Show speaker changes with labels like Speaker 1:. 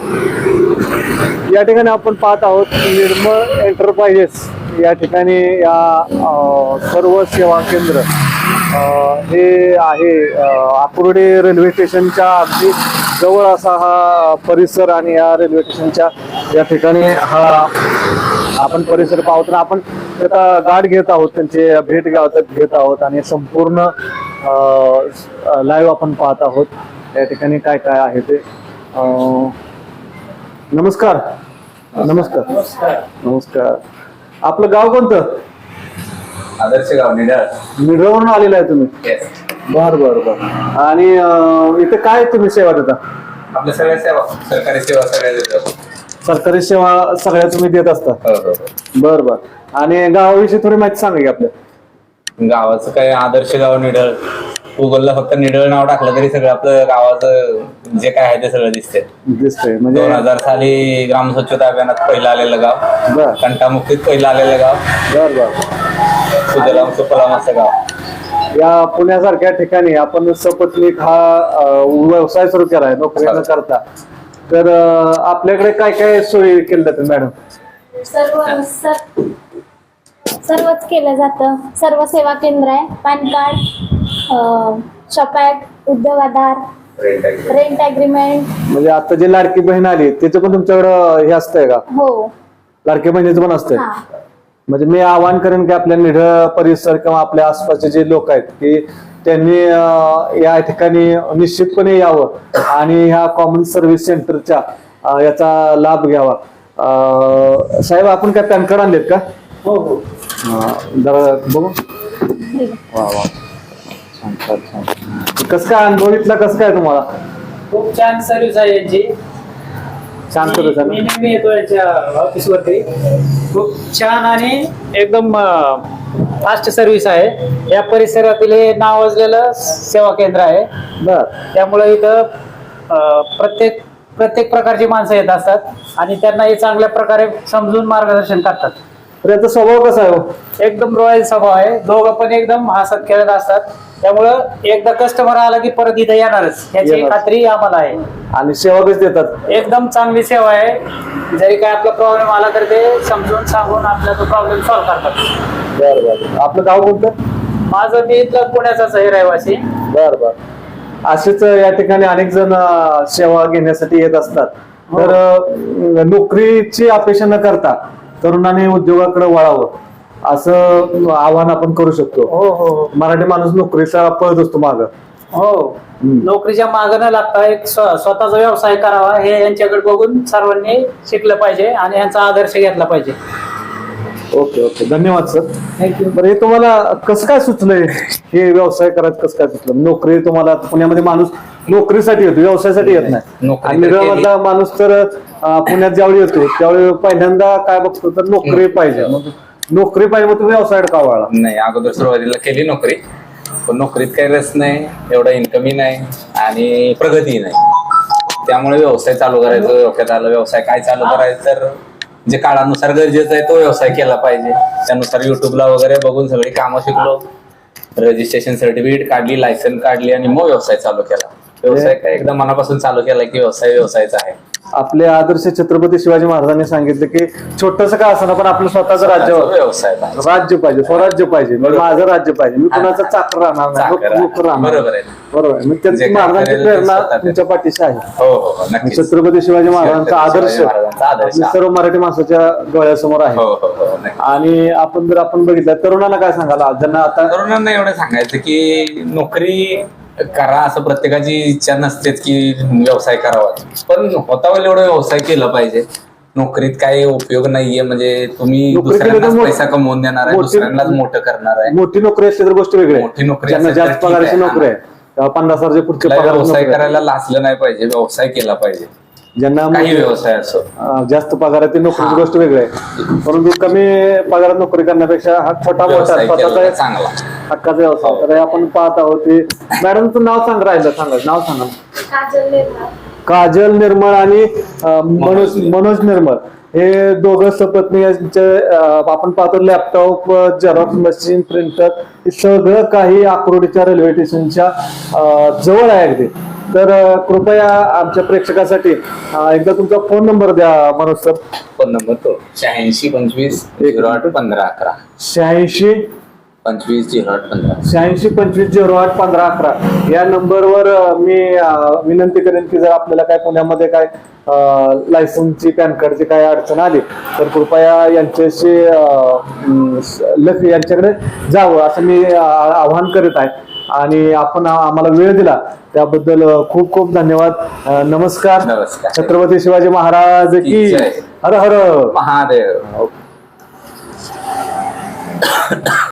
Speaker 1: या ठिकाणी आपण पाहत आहोत निर्मळ एंटरप्राइजेस या ठिकाणी या सर्व सेवा केंद्र हे आहे आकुर्डी रेल्वे स्टेशनच्या अगदी जवळ असा हा परिसर आणि या रेल्वे स्टेशनच्या या ठिकाणी हा आपण परिसर पाहतो ना आपण त्याचा गाठ घेत आहोत त्यांचे भेट घेत आहोत आणि संपूर्ण लाईव्ह आपण पाहत आहोत या ठिकाणी काय काय आहे ते नमस्कार नमस्कार नमस्कार आपलं गाव कोणतं
Speaker 2: आदर्श गाव
Speaker 1: निढळवरून आलेलं आहे तुम्ही बर बर बर आणि इथे काय तुम्ही सेवा देता
Speaker 2: आपल्या सगळ्या सेवा सरकारी सेवा सगळ्या देतात
Speaker 1: सरकारी सेवा सगळ्या तुम्ही देत असता बर बर आणि गावाविषयी थोडी माहिती सांगा की आपल्या
Speaker 2: गावाचं काय आदर्श गाव निढळ गुगलला फक्त निढळ नाव टाकलं तरी सगळं आपलं गावाचं जे काय आहे ते सगळं
Speaker 1: दिसतंय म्हणजे
Speaker 2: 2000 साली ग्राम स्वच्छता अभियानात पहिलं आलेलं गाव
Speaker 1: बर
Speaker 2: कंटामुक्तीत पहिलं आलेलं गाव
Speaker 1: बर बर
Speaker 2: सुजलाम सुफलाम असं गाव
Speaker 1: या पुण्यासारख्या ठिकाणी आपण सपत्नीक हा व्यवसाय सुरू केलाय नोकरी न करता तर आपल्याकडे काय काय सोयी केल्या जातात मॅडम
Speaker 3: सर्वच केलं जातं सर्व सेवा केंद्र आहे पॅन कार्ड शॉपॅक उद्योग आधार रेंट अग्रीमेंट
Speaker 1: म्हणजे आता जे लाडकी बहीण आली त्याचं पण तुमच्याकडं हे असतंय का
Speaker 3: हो
Speaker 1: लाडकी बहिणीचं पण असतंय
Speaker 3: हा
Speaker 1: म्हणजे मी आवाहन करेन की आपल्या निढळ परिसर किंवा आपल्या आसपासचे जे लोक आहेत की त्यांनी या ठिकाणी निश्चितपणे यावं आणि ह्या कॉमन सर्व्हिस सेंटरच्या याचा लाभ घ्यावा साहेब आपण काय पॅन कार्ड आणलेत का
Speaker 4: हो हो
Speaker 1: जरा बघू वा वा छान छान छान कसं काय अनुभव इथला कसं काय तुम्हाला
Speaker 4: खूप छान सर्व्हिस आहे यांची
Speaker 1: छान सर्व्हिस आहे
Speaker 4: मी नेहमी येतो यांच्या ऑफिसवरती खूप छान आणि एकदम फास्ट सर्व्हिस आहे या परिसरातील हे नावाजलेलं सेवा केंद्र आहे
Speaker 1: बर
Speaker 4: त्यामुळे इथं प्रत्येक प्रकारची माणसं येत असतात आणि त्यांना हे चांगल्या प्रकारे समजून मार्गदर्शन करतात
Speaker 1: तर याचा स्वभाव कसा आहे हो?
Speaker 4: एकदम रॉयल स्वभाव आहे दोघं पण एकदम हसत खेळत असतात त्यामुळं एकदा कस्टमर आला की परत इथं येणारच याची खात्री आम्हाला आहे
Speaker 1: आणि सेवा कशी देतात
Speaker 4: एकदम चांगली सेवा आहे जरी काय आपला प्रॉब्लेम आला तर ते समजून सांगून आपला तो प्रॉब्लेम सॉल्व्ह करतात
Speaker 1: बर बर आपलं गाव कोणतं
Speaker 4: माझं मी इथलं पुण्याचाच आहे रहिवासी
Speaker 1: बर बर असेच या ठिकाणी अनेक जण सेवा घेण्यासाठी येत असतात तर नोकरीची अपेक्षा न करता तरुणांनी उद्योगाकडे वळावं असं आवाहन आपण करू शकतो
Speaker 4: हो हो
Speaker 1: मराठी माणूस नोकरीचा पळत असतो माग
Speaker 4: हो नोकरीच्या मागं न लागता एक स्वतःचा व्यवसाय करावा हे यांच्याकडे बघून सर्वांनी शिकलं पाहिजे आणि यांचा आदर्श घेतला पाहिजे
Speaker 1: ओके ओके धन्यवाद सर
Speaker 4: थँक्यू
Speaker 1: बरं हे तुम्हाला कसं काय सुचलंय हे व्यवसाय करायचं कसं काय सुचलं नोकरी तुम्हाला पुण्यामध्ये माणूस नोकरीसाठी येतो व्यवसायासाठी येत नाही
Speaker 2: नोकरी
Speaker 1: आणि निढळमधला माणूस तर पुण्यात ज्यावेळी येतो त्यावेळी पहिल्यांदा काय बघतो तर नोकरी पाहिजे मग नोकरी पाहिजे मग तुम्ही व्यवसायात का वळला
Speaker 2: नाही अगोदर सुरुवातीला केली नोकरी पण नोकरीत काही रस नाही एवढा इन्कमही नाही आणि प्रगती नाही त्यामुळे व्यवसाय चालू करायचं डोक्यात आलं व्यवसाय काय चालू करायचं तर जे काळानुसार गरजेचं आहे तो व्यवसाय केला पाहिजे त्यानुसार युट्यूबला वगैरे बघून सगळी कामं शिकलो रजिस्ट्रेशन सर्टिफिकेट काढली लायसन काढली आणि मग व्यवसाय चालू केला व्यवसाय काय एकदा मनापासून चालू केला की व्यवसायाचा आहे
Speaker 1: आपले आदर्श छत्रपती शिवाजी महाराजांनी सांगितलं की छोटस का असं पण आपलं स्वतःचं राज्य
Speaker 2: व्यवसाय पाहिजे.
Speaker 1: राज्य पाहिजे स्वराज्य पाहिजे माझं राज्य पाहिजे मी कुणाचं चाकर राहणार नाही नोकर राहणार
Speaker 2: बरोबर आहे
Speaker 1: बरोबर आहे. मग त्यांची महाराजांची प्रेरणा तुमच्या पाठीशी आहे
Speaker 2: हो हो नक्कीच
Speaker 1: छत्रपती शिवाजी महाराजांचा आदर्श
Speaker 2: महाराजांचा आदर्श
Speaker 1: आपल्या सर्व मराठी माणसाच्या डोळ्यासमोर आहे
Speaker 2: हो हो हो नक्की.
Speaker 1: आणि आपण जर आपण बघितलं तरुणांना काय सांगाल ज्यांना आता
Speaker 2: तरुणांना एवढं सांगायचं की नोकरी करा असं प्रत्येकाची इच्छा नसतेच की व्यवसाय करावा पण होता वेळेला एवढा व्यवसाय केला पाहिजे नोकरीत काही उपयोग नाहीये म्हणजे तुम्ही दुसऱ्यांनाच पैसा कमवून देणार आहे दुसऱ्यांनाच मोठं करणार आहे
Speaker 1: मोठी नोकरी असते तर गोष्ट वेगळी
Speaker 2: मोठी नोकरी
Speaker 1: ज्यांना
Speaker 2: असेल तर
Speaker 1: जास्त
Speaker 2: ठीक
Speaker 1: पगाराची
Speaker 2: आहे.
Speaker 1: नोकरी आहे 50,000 पुढचे पगार
Speaker 2: व्यवसाय करायला लाचलं नाही पाहिजे व्यवसाय केला पाहिजे
Speaker 1: ज्यांना
Speaker 2: काही व्यवसाय असो
Speaker 1: जास्त पगारात नोकरीची गोष्ट वेगळी आहे परंतु कमी पगारात नोकरी करण्यापेक्षा हा छोटा मोठा स्वतःचा
Speaker 2: चांगला
Speaker 1: हक्काचा व्यवसाय तर आपण पाहत आहोत की मॅडम तू नाव सांग राहिलं सांगा नाव सांगा काजल निर्मळ आणि मनोज निर्मळ हे दोघं सपत्नी आपण पाहतो लॅपटॉप झेरॉक्स मशीन प्रिंटर हे सगळं काही आकुर्डीच्या रेल्वे स्टेशनच्या जवळ आहे अगदी तर कृपया आमच्या प्रेक्षकासाठी एकदा तुमचा फोन नंबर द्या मनोज सर.
Speaker 2: फोन नंबर तो 8625081511.
Speaker 1: 8625081511 या नंबरवर मी विनंती करेन की जर आपल्याला काय पुण्यामध्ये काय लायसन्सची पॅन कार्डची काय अडचण आली तर कृपया यांच्याशी यांच्याकडे जावं असं मी आवाहन करीत आहे. आणि आपण आम्हाला वेळ दिला त्याबद्दल खूप खूप धन्यवाद. नमस्कार.
Speaker 2: नमस्कार.
Speaker 1: छत्रपती शिवाजी महाराज की
Speaker 2: जय.
Speaker 1: हर हर
Speaker 2: महादेव.